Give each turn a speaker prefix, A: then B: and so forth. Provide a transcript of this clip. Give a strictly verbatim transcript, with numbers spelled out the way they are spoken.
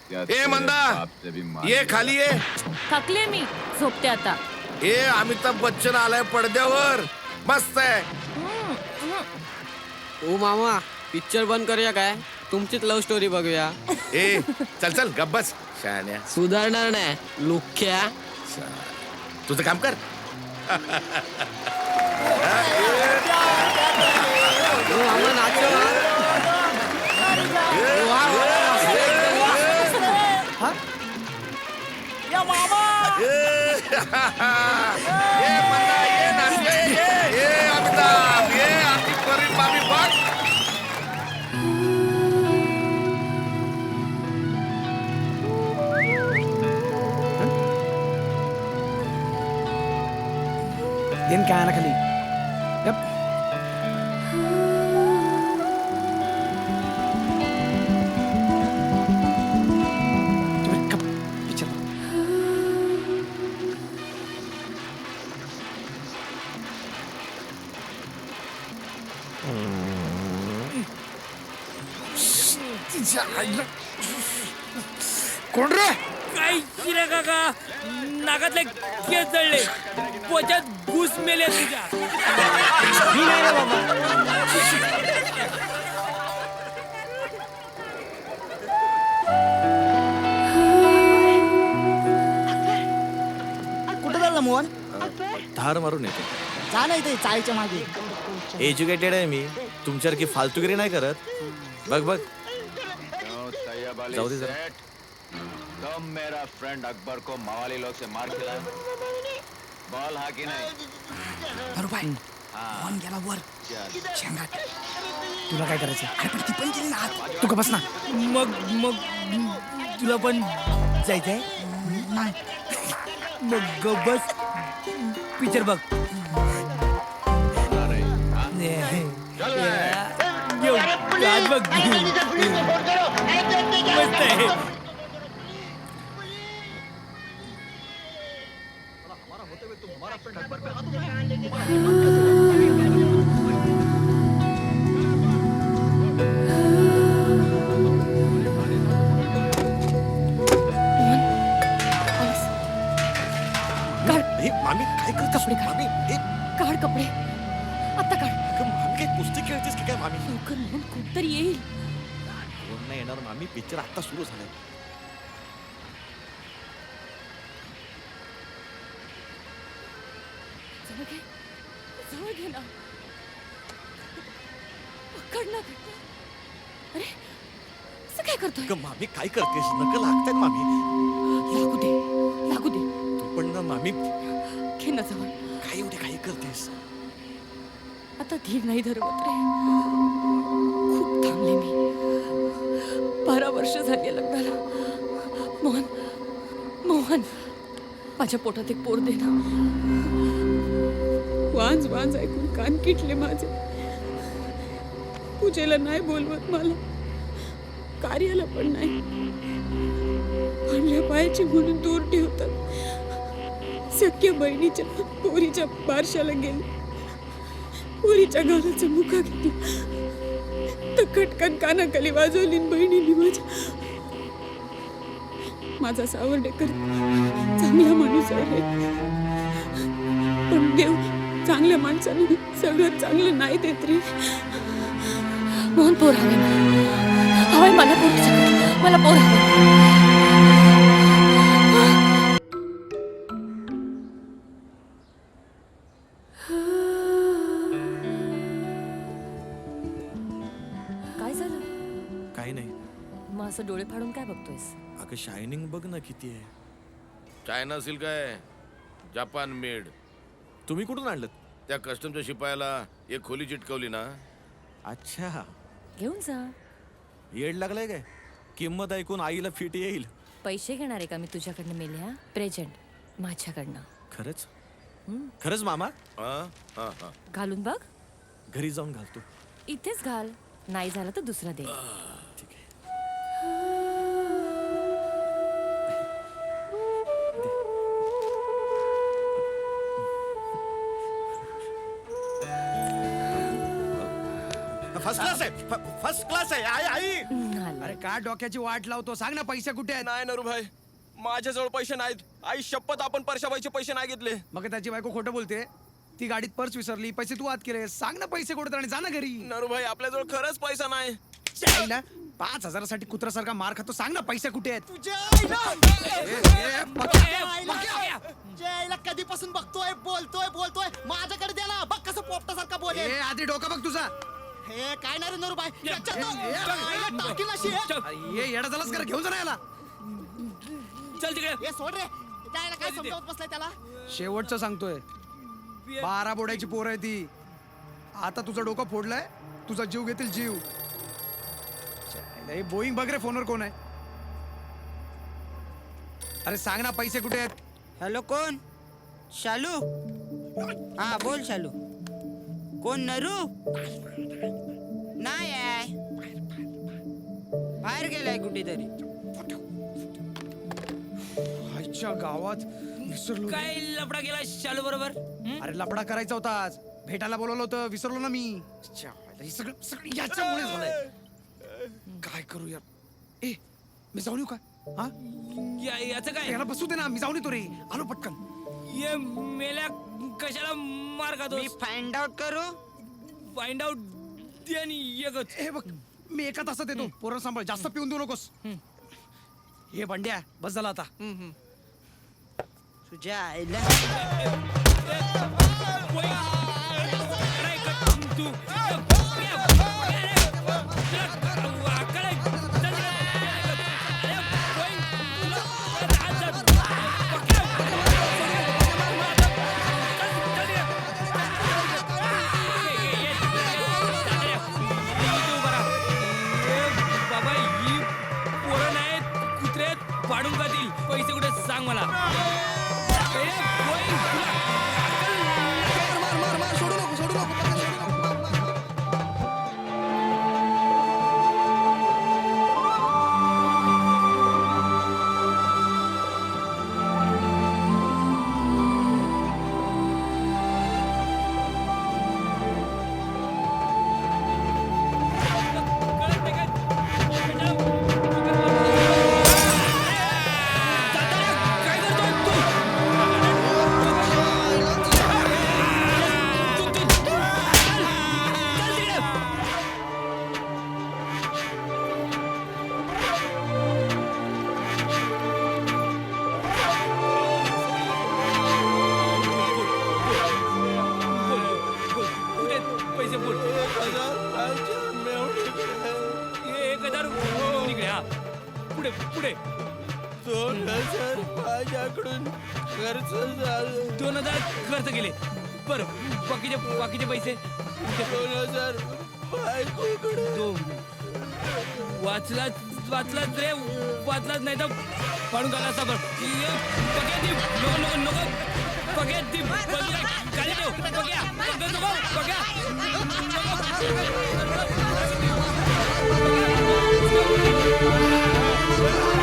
A: ए मंदा, ये खाली ये.
B: थकले मी, झोपते आता.
A: ए अमिताभ बच्चन आलाय पडद्यावर. मस्त आहे.
C: ओ मामा, पिक्चर बंद करूया काय? तुमचीच लव्ह स्टोरी बघूया.
A: ए चल चल गब्बस शहाण्या.
C: सुधारणार नाही लुख्या.
A: तुझं काम कर.
C: ओ मामा नाचो. वा, वा, वा.
A: ये मंदा, ये नाच, ये ये ये अमिताभ, ये आतिफ करीम मामी बघ.
D: दिन काय आला खाली. यप. तुम्ही कप पिक्चर. कोण रे?
E: काय शिरा काका, नाकातले केस जळले, पोटात घुस मेले तुझ्या.
D: मी नाही रे बाबा.
F: कुठं चालला मोहन?
G: धार मारून येते.
F: जा ना इथे चाळीच्या मागे.
G: एज्युकेटेड आहे मी, तुमच्यासारखी फालतूगिरी नाही करत. बघ बघ जाऊ दे जरा.
H: तुम मेरा फ्रेंड अकबर को मवाली लोग से मार खिलाए. बॉल हा की नाही.
F: बरोबर मोहन गेला वर शेंगात.
D: तुला काय करायचं?
F: अरे पण ती पण गेली ना आत.
D: तू का बस ना.
E: मग मग तुला पण जायचंय?
F: नाही
E: मग ग बस, पिक्चर बघ. येऊ, आज बघ. मस्त आहे.
G: हे मामी काय करतेस?
B: कपडे काढ.
G: मामी हे
B: काढ कपडे, आता काढ.
G: अगं, मामी काय कुस्ती खेळतेस की काय मामी?
B: लवकर म्हणून कोणतरी येईल.
G: कोण नाही येणार मामी, पिक्चर आता सुरू झालाय.
B: जवळ घे, जवळ घे ना. पकड ना. अरे असं काय करतोय?
G: अगं, मामी काय करतेस? नकल लागतायत मामी.
B: लागू दे, लागू दे.
G: तू पण ना मामी,
B: घे ना जवळ.
G: काय एवढे काही करतेस?
B: आता धीर नाही धरवत रे. खूप थांबले मी. बारा वर्ष झाली लग्नाला. मोहन, मोहन, माझ्या पोटात एक पोर दे ना.
I: वांज वांज ऐकून कान किटले माझे. पूजेला नाही बोलवत मला, कार्याला पण नाही. म्हणल्या पायाची म्हणून दूर ठेवतात. सख्या बहिणीच्या पोरीच्या बारशाला गेले. पोरीच्या गालाचा मुका घेतला तर खटकन कानाखाली वाजवली बहिणीने माझ्या. माझा सावर्डेकर चांगला माणूस आहे, पण देव चांगल्या माणसाने सगळं चांगलं नाही देत रे.
B: मोहन पोर हवे मला. हवाय मला पोर तुझ्याकडे. मला पोर हवे. काय झालं?
G: काही नाही.
B: मग असं डोळे फाडून काय बघतोयस?
G: अगं शायनिंग बघ ना किती आहे.
A: चायना सिल्क काय, जपान मेड.
G: तुम्ही कुठून आणलं?
A: त्या कस्टमच्या शिपायाला एक खोली चिटकवली ना.
G: अच्छा,
B: घेऊन जा.
G: येड लागलाय काय? किंमत ऐकून आईला फिट येईल.
B: पैसे घेणार आहे का मी तुझ्याकडनं मेल्या? प्रेझेंट माझ्याकडनं.
G: खरंच? खरंच मामा?
A: हा हा हा.
B: घालून बघ.
G: घरी जाऊन घालतो.
B: इथेच घाल. नाही झालं तर दुसरा दे.
G: ठीक आहे. फर्स्ट क्लास आहे फर्स्ट क्लास आहे आई आई
D: अरे काय डोक्याची वाट लावतो सांग ना पैसे कुठे आहेत
C: नाही नरू भाई माझ्याजवळ पैसे नाहीत आई शपथ आपण परशाबाईचे पैसे नाही घेतले
D: मग त्याची बायको खोटं बोलते ती गाडीत पर्स विसरली पैसे तू आत केले सांग ना पैसे कुठे आणि जा ना घरी
C: नरू भाई आपल्याजवळ खरंच पैसा नाही
D: आईला पाच हजारासाठी कुत्र्यासारखा मार खातो सांग ना पैसे कुठे आहेत
F: जयला कधीपासून बघतोय बोलतोय बोलतोय माझ्याकडे दे ना बघ कसं पोपटासारखा बोले
D: ए आधी डोका बघ तुझा
F: हे काय नाही रे नरूबाई
D: ए,
F: टाकील अशी हे.
D: अरे, ये येडा झालास कर घेऊन जा ना याला
E: चल तिकडे
F: हे सोड रे जायला काय समजावत बसलाय त्याला
D: शेवटचं सांगतोय बारा बोडायची पोर आहे ती आता तुझं डोकं फोडलंय तुझा जीव घेतील जीव बोईंग बघ रे फोनवर कोण आहे अरे सांग ना पैसे कुठे आहेत
J: हॅलो कोण शालू हा बोल शालू कोण नरू नाही आहे बाहेर गेलाय कुठेतरी
D: आईच्या गावात विसरलो
E: काय लफडा गेला शालू बरोबर हं?
D: अरे लपडा करायचा होता आज भेटायला बोलवलं होतं विसरलो ना मी च्या, हे सगळं सगळं याच्यामुळे झालंय काय करू यार ए मी जाऊन येऊ का हा
E: या- याचं काय
D: याला बसू दे ना मी जाऊन येतो रे आलो पटकन
E: ये मेल्या कशाला मार खातो
J: मी फाइंड आउट करू
E: फाइंड आउट दे आणि एकच
D: हे बघ मी एका तासात येतो पोरं सांभाळ जास्त पिऊन देऊ नकोस हे बंड्या बस झाला आता
J: तुझ्या आईला
E: तू बाबा ही पोरं नाहीत कुत्रे पाडून खातील पैसे कुठे सांग मला ए, गोईंग, तुला कळत नाही का? काय करतोय तू? तू- तू- चल तिकडे. बोल, बोल. कुठे आहेत पैसे बोल हे एक हजार इकडे हा पुढे पुढे
C: दोन हजार माझ्याकडून खर्च झालं
E: दोन हजार खर्च केले बरं बाकीचे बाकीचे पैसे
C: दोन हजार बायकोकडे
E: दोन वाचलाच वाचलाच रे वाचलाच नाही तर पाडून घाला असता बरं ये, बघ्या ती नको नको नको बघ्या ती बघ्या खाली ठेव बघ्या बघ नको बघ्या नको.